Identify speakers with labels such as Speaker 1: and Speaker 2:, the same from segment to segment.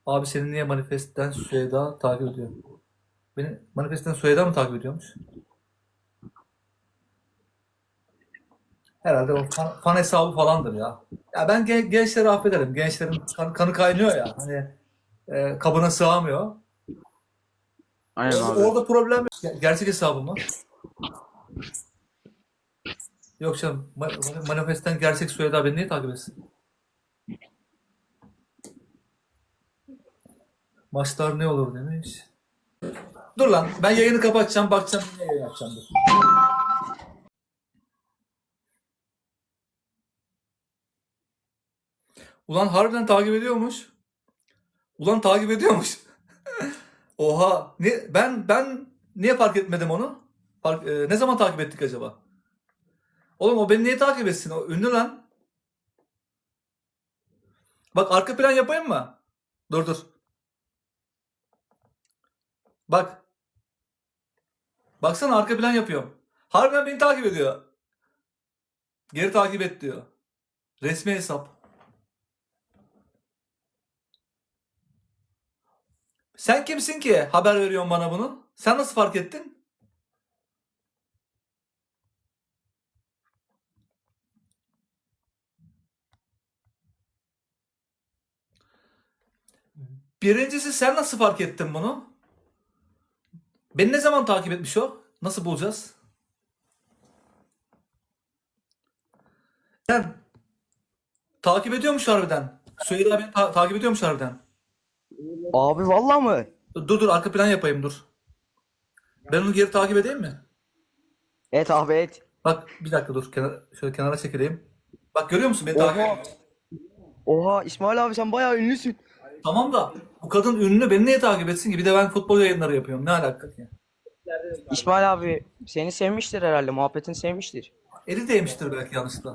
Speaker 1: Abi seni niye Manifest'ten Süheyda takip ediyor? Beni Manifest'ten Süheyda mı takip ediyormuş? Herhalde o fan hesabı falandır ya. Ya ben gençleri affederim. Gençlerin kanı kaynıyor ya. Hani kabına sığamıyor.
Speaker 2: Aynen
Speaker 1: Orada,
Speaker 2: abi.
Speaker 1: orada problem yok. Gerçek hesabı mı? Yok canım. Manifest'ten gerçek Süheyda beni niye takip etsin? Maçlar ne olur demiş. Dur lan ben yayını kapatacağım. Bakacağım ne yayın yapacağım. Dur. Ulan harbiden takip ediyormuş. Ulan takip ediyormuş. Oha. Ben niye fark etmedim onu? Ne zaman takip ettik acaba? Oğlum o beni niye takip etsin? O ünlü lan. Bak arka plan yapayım mı? Dur dur. Bak. Baksana arka plan yapıyorum. Harbiden beni takip ediyor. Geri takip et diyor. Resmi hesap. Sen kimsin ki haber veriyorsun bana bunu? Sen nasıl fark ettin? Birincisi sen nasıl fark ettin bunu? Beni ne zaman takip etmiş o? Nasıl bulacağız? Sen takip ediyormuş harbiden. Süheyla beni takip ediyormuş harbiden.
Speaker 2: Abi vallahi mı?
Speaker 1: Dur dur arka plan yapayım dur. Ben onu geri takip edeyim mi?
Speaker 2: Et abi et.
Speaker 1: Bak bir dakika dur. Şöyle kenara çekileyim. Bak görüyor musun beni takip
Speaker 2: Oha.
Speaker 1: ediyor.
Speaker 2: Oha İsmail abi sen bayağı ünlüsün.
Speaker 1: Tamam da bu kadın ünlü beni niye takip etsin ki? Bir de ben futbol yayınları yapıyorum. Ne alaka ki?
Speaker 2: İsmail abi seni sevmiştir herhalde. Muhabbetini sevmiştir.
Speaker 1: Eli değmiştir belki yanlışlıkla.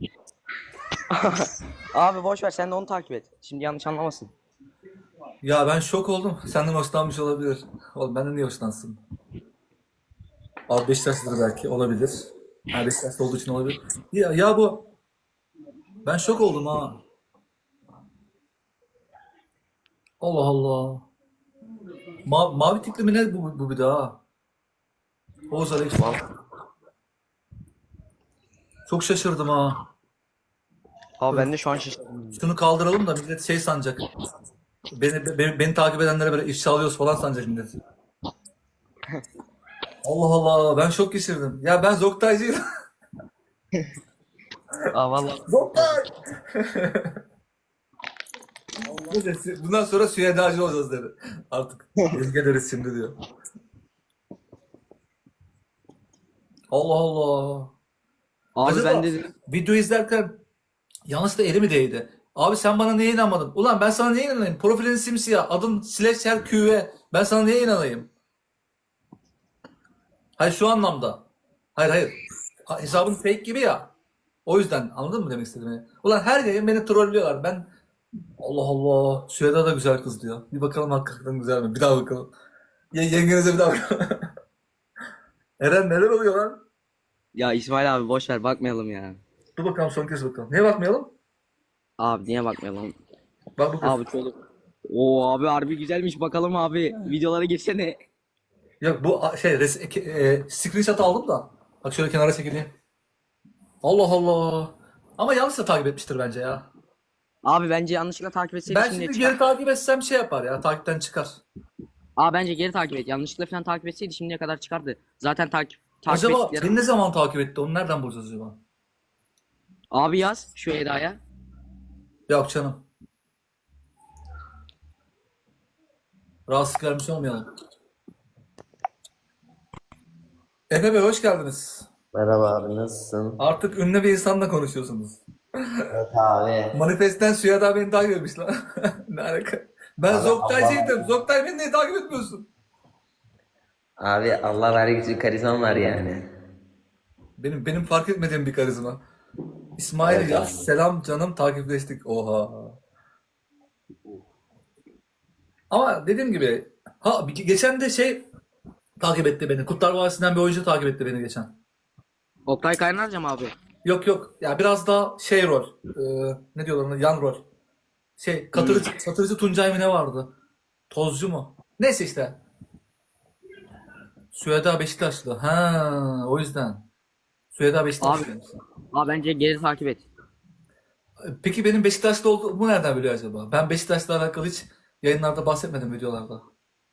Speaker 2: Abi boş ver sen de onu takip et. Şimdi yanlış anlamasın.
Speaker 1: Ya ben şok oldum. Senden hoşlanmış olabilir. Oğlum benden niye hoşlansın? Abi Beşiktaşlıdır belki olabilir. Ha Beşiktaşlı olduğu için olabilir. Ya bu ben şok oldum ha. Allah Allah. Mavi tikli mi ne bu bir daha? Oğuz Alex. Çok şaşırdım ha.
Speaker 2: Abi ben de şu an şaşırdım.
Speaker 1: Şunu kaldıralım da millet şey sanacak. Beni takip edenlere böyle ifşa alıyoruz falan sanacak millet. Allah Allah ben şok geçirdim. Ya ben Zoktaycıyım.
Speaker 2: Aa vallahi.
Speaker 1: Zoktay! Bundan sonra Süheyda'cı olacağız dedi. Artık ezge deriz şimdi diyor. Allah Allah.
Speaker 2: Abi
Speaker 1: Acaba
Speaker 2: ben de
Speaker 1: video izlerken yanlışlıkla eli mi değdi? Abi sen bana niye inanmadın? Ulan ben sana niye inanayım? Profilin simsiyah. Adın Slasher QV. Ben sana niye inanayım? Hayır şu anlamda. Hayır hayır. Hesabın fake gibi ya. O yüzden anladın mı demek istediğimi? Ulan her yayın beni trollüyorlar. Ben Allah Allah. Süheyda da güzel kız diyor. Bir bakalım hakikaten güzel mi? Bir daha bakalım. Yengenize bir daha bakalım. Eren neler oluyor lan?
Speaker 2: ya İsmail abi boş ver bakmayalım ya.
Speaker 1: Dur bakalım son kez bakalım. Niye bakmayalım?
Speaker 2: Abi niye bakmayalım?
Speaker 1: Bak bu kız.
Speaker 2: Abi şöyle. Oo abi harbi güzelmiş bakalım abi. Videolara girsene.
Speaker 1: Yok bu screenshot aldım da. Bak şöyle kenara çekileyim. Allah Allah. Ama yanlış da takip etmiştir bence ya.
Speaker 2: Abi bence yanlışlıkla takip etseydi
Speaker 1: Ben
Speaker 2: şimdiye
Speaker 1: şimdi
Speaker 2: çıkar.
Speaker 1: geri takip etsem şey yapar ya. Takipten çıkar.
Speaker 2: Aa bence geri takip et. Yanlışlıkla falan takip etseydi şimdiye kadar çıkardı. Zaten takip
Speaker 1: Acaba
Speaker 2: ettikleri.
Speaker 1: beni ne zaman takip etti? Onu nereden bulacağız acaba?
Speaker 2: Abi yaz şu Eda'ya.
Speaker 1: Yok canım. Rahatsızlık vermiş olmayalım. Efe Bey hoş geldiniz.
Speaker 3: Merhaba abi nasılsın?
Speaker 1: Artık ünlü bir insanla konuşuyorsunuz.
Speaker 3: Evet abi.
Speaker 1: Manifestten Süheyda beni takip etmiş lan. Ne alaka? Ben
Speaker 3: Abi
Speaker 1: Zoktaycıydım.
Speaker 3: Allah,
Speaker 1: Zoktay beni niye takip etmiyorsun?
Speaker 3: abi Allah vergisi karizman var yani.
Speaker 1: Benim fark etmediğim bir karizma. İsmail
Speaker 3: Evet
Speaker 1: yaz.
Speaker 3: abi.
Speaker 1: Selam canım takipleştik. Oha. Ama dediğim gibi geçen de takip etti beni. Kurtlar Vadisi'nden bir oyuncu takip etti beni geçen.
Speaker 2: Oktay Kaynarca mı abi?
Speaker 1: Yok yok. Ya biraz daha rol. Ne diyorlar ona? Yan rol. Şey katırıcı Tuncay mı ne vardı? Tozcu mu? Neyse işte. Süheda Beşiktaşlı. Ha, o yüzden. Süheda Beşiktaşlı.
Speaker 2: Abi bence geri takip et.
Speaker 1: Peki benim Beşiktaşlı olduğumu nereden biliyor acaba? Ben Beşiktaş'la alakalı hiç yayınlarda bahsetmedim videolarda.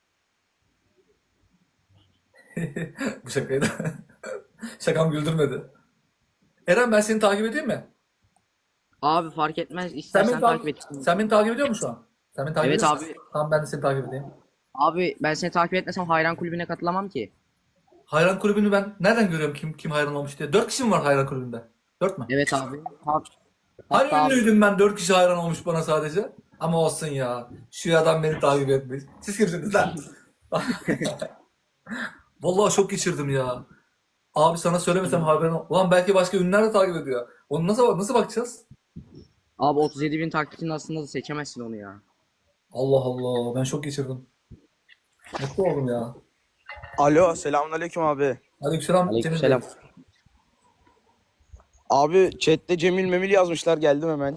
Speaker 1: Bu şakaydı. Şakam güldürmedi. Eren ben seni takip edeyim mi?
Speaker 2: Abi fark etmez.
Speaker 1: Sen
Speaker 2: İstersen
Speaker 1: beni
Speaker 2: takip
Speaker 1: takip,
Speaker 2: et.
Speaker 1: sen beni takip ediyor musun şu an? Sen beni takip
Speaker 2: Evet
Speaker 1: ediyor musun?
Speaker 2: abi.
Speaker 1: Tamam ben de seni takip edeyim.
Speaker 2: Abi ben seni takip etmesem hayran kulübüne katılamam ki.
Speaker 1: Hayran kulübünü ben nereden görüyorum kim hayran olmuş diye. 4 kişi mi var hayran kulübünde? 4 mü?
Speaker 2: Evet abi.
Speaker 1: Hani
Speaker 2: Hatta abi,
Speaker 1: ünlüydüm ben 4 kişi hayran olmuş bana sadece. Ama olsun ya. Şu adam beni takip etmiş. Siz kimsiniz lan? Vallahi şok geçirdim ya. Abi sana söylemesem haberin ulan belki başka ünlüler de takip ediyor. Onu nasıl bakacağız?
Speaker 2: abi 37 bin takipçinin aslında da seçemezsin onu ya.
Speaker 1: Allah Allah ben şok geçirdim. Mutlu oldum ya.
Speaker 4: Alo, selamünaleyküm abi.
Speaker 1: Aleykümselam Cemil Bey.
Speaker 2: Aleykümselam.
Speaker 4: Abi chatte Cemil Memil yazmışlar, geldim hemen.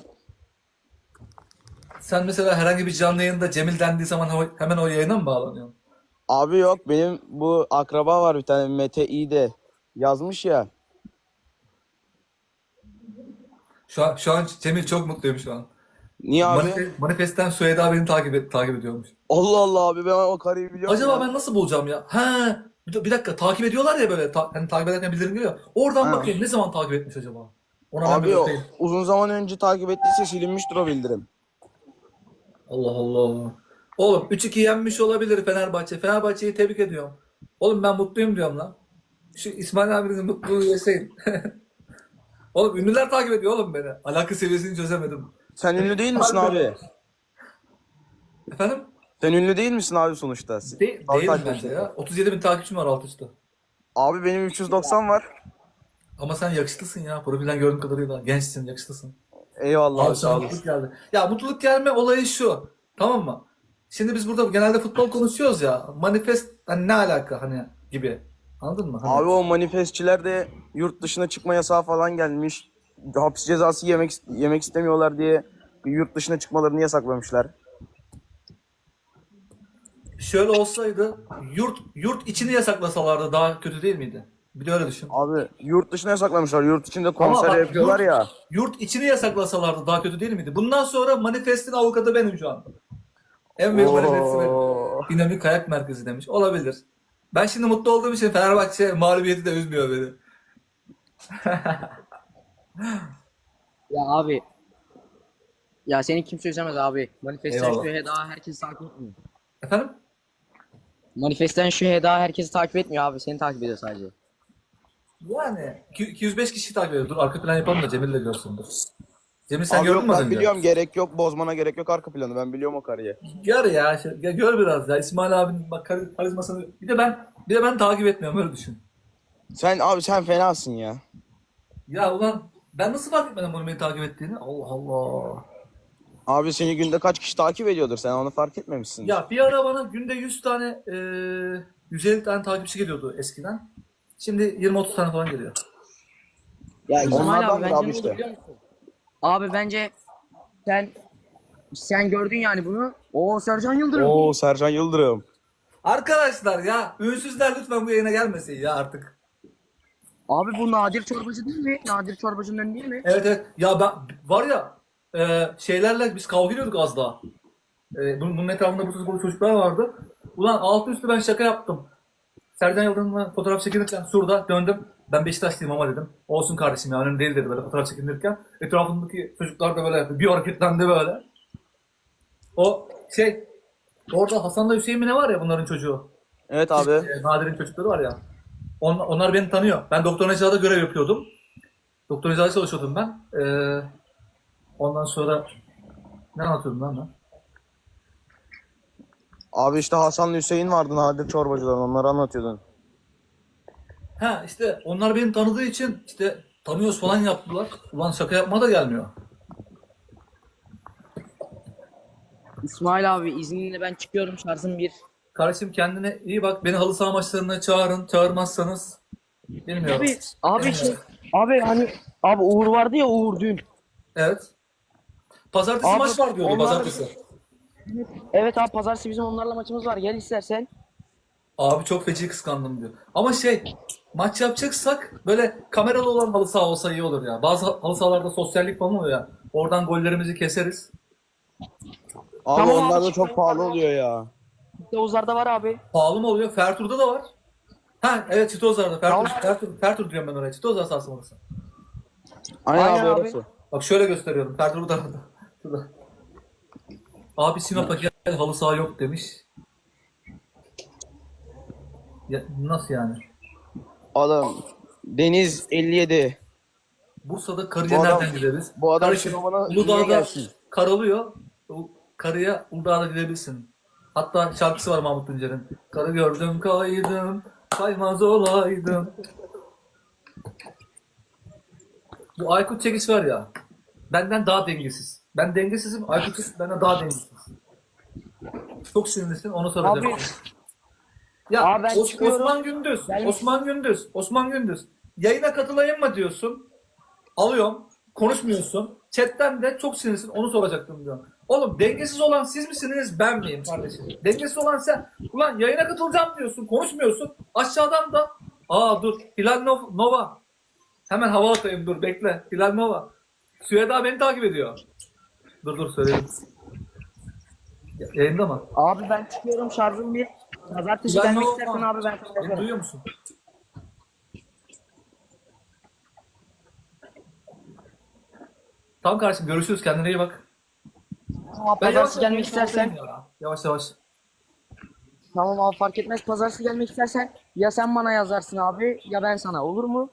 Speaker 1: Sen mesela herhangi bir canlı yayında Cemil dendiği zaman hemen o yayına mı bağlanıyorsun?
Speaker 4: Abi yok, benim bu akraba var bir tane, Mete İ'de yazmış ya.
Speaker 1: Şu an Cemil çok mutluyum şu an.
Speaker 4: Niye abi?
Speaker 1: Manifest'ten Süheyda beni takip ediyormuş.
Speaker 4: Allah Allah abi, ben o karıyı biliyorum
Speaker 1: Acaba
Speaker 4: ya.
Speaker 1: ben nasıl bulacağım ya? Ha, bir dakika takip ediyorlar ya böyle. Hani takip ederken bildirim geliyor. Oradan
Speaker 4: Ha.
Speaker 1: bakayım ne zaman takip etmiş acaba? Ona ben bir
Speaker 4: Abi o
Speaker 1: bakayım.
Speaker 4: uzun zaman önce takip ettiyse silinmiştir o bildirim.
Speaker 1: Allah Allah. Oğlum 3-2 yenmiş olabilir Fenerbahçe. Fenerbahçe'yi tebrik ediyorum. Oğlum ben mutluyum diyorum lan. Şu İsmail abinizin mutluluğu yaşayın. Oğlum ünlüler takip ediyor oğlum beni. Alaka seviyesini çözemedim.
Speaker 4: Sen ünlü değil misin
Speaker 1: Harbi.
Speaker 4: abi?
Speaker 1: Efendim?
Speaker 4: Sen ünlü değil misin abi sonuçta? Abi
Speaker 1: Değilim
Speaker 4: takip
Speaker 1: bence
Speaker 4: et.
Speaker 1: ya. 37 bin takipçim var alt üstte.
Speaker 4: Abi benim 390 var.
Speaker 1: Ama sen yakışıklısın ya. Profilden gördüğüm kadarıyla. Gençsin, yakışıklısın.
Speaker 4: Eyvallah
Speaker 1: Abi
Speaker 4: abi, sağ
Speaker 1: sana
Speaker 4: olasın.
Speaker 1: mutluluk geldi. Ya mutluluk gelme olayı şu. Tamam mı? Şimdi biz burada genelde futbol konuşuyoruz ya. Manifest hani ne alaka hani gibi. Anladın mı? Hani
Speaker 4: Abi o manifestçiler de yurt dışına çıkma yasağı falan gelmiş. Hapis cezası yemek istemiyorlar diye yurt dışına çıkmalarını yasaklamışlar.
Speaker 1: şöyle olsaydı yurt içini yasaklasalardı daha kötü değil miydi? Bir de öyle düşün.
Speaker 4: Abi yurt dışına yasaklamışlar. Yurt içinde
Speaker 1: Ama
Speaker 4: konser
Speaker 1: bak
Speaker 4: yapıyorlar ya.
Speaker 1: yurt içini yasaklasalardı daha kötü değil miydi? Bundan sonra Manifest'in avukatı benim şu an. En büyük manifesti benim.
Speaker 4: Oo.
Speaker 1: Dinamik Kayak Merkezi demiş. Olabilir. Ben şimdi mutlu olduğum için Fenerbahçe mağlubiyeti de üzmüyor beni.
Speaker 2: Ya abi. Ya seni kimse üzemez abi. Manifestten
Speaker 1: Eyvallah.
Speaker 2: şu Heda herkesi takip etmiyor.
Speaker 1: Efendim?
Speaker 2: Manifestten şu Heda herkesi takip etmiyor abi. Seni takip ediyor sadece.
Speaker 1: Yani 205 kişi takip ediyor. Dur arka plan yapalım da Cemil de görsün. Dur. Cemil sen
Speaker 4: Abi
Speaker 1: gördün
Speaker 4: yok,
Speaker 1: mü az
Speaker 4: ben
Speaker 1: önce?
Speaker 4: biliyorum, gerek yok. Bozmana gerek yok arka planı. Ben biliyorum o karıyı.
Speaker 1: Gör ya, gör biraz ya. İsmail abinin bak karizmasını. Bir de ben takip etmiyorum öyle düşün.
Speaker 4: Sen fenasın ya.
Speaker 1: Ya ulan ben nasıl fark etmedim bunu beni takip ettiğini? Allah Allah.
Speaker 4: Abi seni günde kaç kişi takip ediyordur? Sen onu fark etmemişsin.
Speaker 1: Ya bir ara bana günde 100 tane 150 tane takipçi geliyordu eskiden. Şimdi 20-30 tane falan geliyor.
Speaker 4: Ya
Speaker 2: İsmail
Speaker 4: onlardan
Speaker 2: abi
Speaker 4: biri
Speaker 2: bence
Speaker 4: abi
Speaker 2: ne oldu
Speaker 4: işte.
Speaker 2: biliyor musun? Abi bence sen gördün yani bunu. O Sercan Yıldırım.
Speaker 4: Oo, Sercan Yıldırım.
Speaker 1: Arkadaşlar ya ünsüzler lütfen bu yayına gelmesin ya artık.
Speaker 2: Abi bu Nadir Çorbacı değil mi? Nadir Çorbacı'nın önü değil mi?
Speaker 1: Evet evet. Ya ben var ya şeylerle biz kavga ediyorduk az daha. Bunun etrafında bu çocuklar vardı. Ulan altı üstü ben şaka yaptım. Sercan Yıldırım'la fotoğraf çekinirken şurada döndüm. Ben Beşiktaşlıyım ama dedim. Olsun kardeşim ya önemli değil dedi böyle fotoğraf çekinirken. Etrafındaki çocuklar da böyle yaptı. Bir hareketlendi böyle. O orada Hasan'la Hüseyin mi ne var ya bunların çocuğu.
Speaker 4: Evet abi.
Speaker 1: Nadir'in çocukları var ya. Onlar beni tanıyor. Ben Doktor Necla'da görev yapıyordum. Doktor Necla'da çalışıyordum ben. Ondan sonra ne anlatıyordum lan ben?
Speaker 4: Abi işte Hasan'la Hüseyin vardı Nadir Çorbacı'dan, onları anlatıyordun.
Speaker 1: Ha işte onlar beni tanıdığı için işte tanıyoruz falan yaptılar. Ulan şaka yapma da gelmiyor.
Speaker 2: İsmail abi izninle ben çıkıyorum, şarjım bir.
Speaker 1: Kardeşim kendine iyi bak. Beni halı saha maçlarına çağırın. Çağırmazsanız bilmiyorum.
Speaker 2: Abi abi hani abi Uğur vardı ya, Uğur dün.
Speaker 1: Evet. Pazartesi
Speaker 2: Abi,
Speaker 1: maç var diyordu
Speaker 2: onlar-
Speaker 1: pazartesi.
Speaker 2: Evet abi pazartesi bizim onlarla maçımız var. Gel istersen.
Speaker 1: Abi çok feci kıskandım diyor. Ama maç yapacaksak böyle kameralı olan halı saha olsa iyi olur ya. Bazı halı sahalarda sosyallik falan oluyor ya. Oradan gollerimizi keseriz.
Speaker 4: Abi
Speaker 2: Tamam
Speaker 4: onlar
Speaker 2: abi,
Speaker 4: da çok pahalı oluyor ya.
Speaker 2: Yavuzlar'da var abi.
Speaker 1: Pahalı mı oluyor? Fertur'da da var. Ha evet Çitozlar'da.
Speaker 2: Tamam.
Speaker 1: Fertur diyorum ben oraya. Çitozlar sahası orası.
Speaker 4: Aynen,
Speaker 2: Aynen
Speaker 4: abi
Speaker 2: abi.
Speaker 4: orası.
Speaker 1: Bak şöyle gösteriyorum. Fertur bu tarafta. Şurada. Abi Sinop'a gel halı saha yok demiş. Ya, nasıl yani?
Speaker 4: Adam Deniz 57.
Speaker 1: Bursa'da karıya
Speaker 4: Bu adam-
Speaker 1: nereden gideriz?
Speaker 4: bu adam
Speaker 1: Kardeşim,
Speaker 4: Sinop'a niye
Speaker 1: Uludağ'da
Speaker 4: gelsin?
Speaker 1: karalıyor. O karıya Uludağ'da gidebilirsin. Hatta şarkısı var Mahmut Tuncer'in. Karı gördüm kaydım, kaymaz olaydım. Bu Aykut Çekiç var ya, benden daha dengesiz. Ben dengesizim, Aykut Çekiç benden daha dengesiz. Çok sinirlisin, onu soracağım.
Speaker 2: Abi,
Speaker 1: Ya
Speaker 2: abi ben çıkıyorum.
Speaker 1: Osman Gündüz,
Speaker 2: Ben-
Speaker 1: Osman Gündüz. Yayına katılayım mı diyorsun? Alıyorum, konuşmuyorsun. Chatten de çok sinirlisin, onu soracaktım diyorum. Oğlum dengesiz olan siz misiniz, ben miyim kardeşim? Dengesiz olan sen. Ulan yayına katılacağım diyorsun, konuşmuyorsun. Aşağıdan da, dur, Nova. Hemen hava atayım, dur bekle. Hilal Nova. Süheda beni takip ediyor. Dur söyleyeyim. Yayında mı?
Speaker 2: Abi ben çıkıyorum şarjım bir. Pazartesi
Speaker 1: Hilal
Speaker 2: gelmek
Speaker 1: Nova.
Speaker 2: istersen abi ben sana
Speaker 1: Beni
Speaker 2: yazarım.
Speaker 1: duyuyor musun? Tamam kardeşim görüşürüz, kendine iyi bak.
Speaker 2: Tamam,
Speaker 1: Ben
Speaker 2: pazartesi
Speaker 1: yavaş
Speaker 2: gelmek istersen.
Speaker 1: ya. Yavaş yavaş.
Speaker 2: Tamam abi fark etmez. Pazartesi gelmek istersen ya sen bana yazarsın abi ya ben sana, olur mu?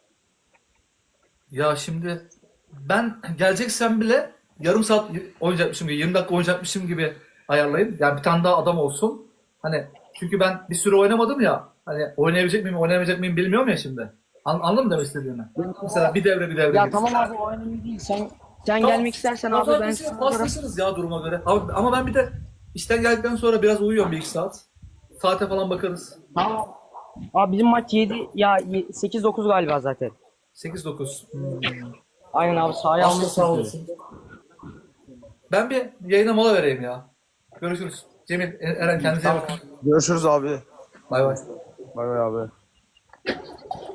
Speaker 1: Ya şimdi ben geleceksem bile yarım saat oynayacakmışım gibi, 20 dakika oynayacakmışım gibi ayarlayın. Yani bir tane daha adam olsun. Hani çünkü ben bir süre oynamadım ya. Hani oynayamayacak mıyım bilmiyorum ya şimdi. Anladın mı demek istediğimi? Mesela bir devre
Speaker 2: Ya
Speaker 1: gitsin.
Speaker 2: tamam abi o önemli değil. Sen
Speaker 1: Tamam.
Speaker 2: gelmek istersen abi ben
Speaker 1: Pazartesi
Speaker 2: sana
Speaker 1: paslaşırız ya duruma göre. Ama ben bir de işten geldikten sonra biraz uyuyorum 1-2 saat. Saate falan bakarız.
Speaker 2: Tamam. Abi bizim maç 7 ya 8-9 galiba zaten.
Speaker 1: 8-9.
Speaker 2: Aynen abi sahaya
Speaker 1: Aslı
Speaker 2: almışsın.
Speaker 1: sağ olasın. Ben bir yayına mola vereyim ya. Görüşürüz. Cemil, Eren kendinize iyi bakın.
Speaker 4: Görüşürüz abi.
Speaker 1: Bay bay.
Speaker 4: Bay bay abi.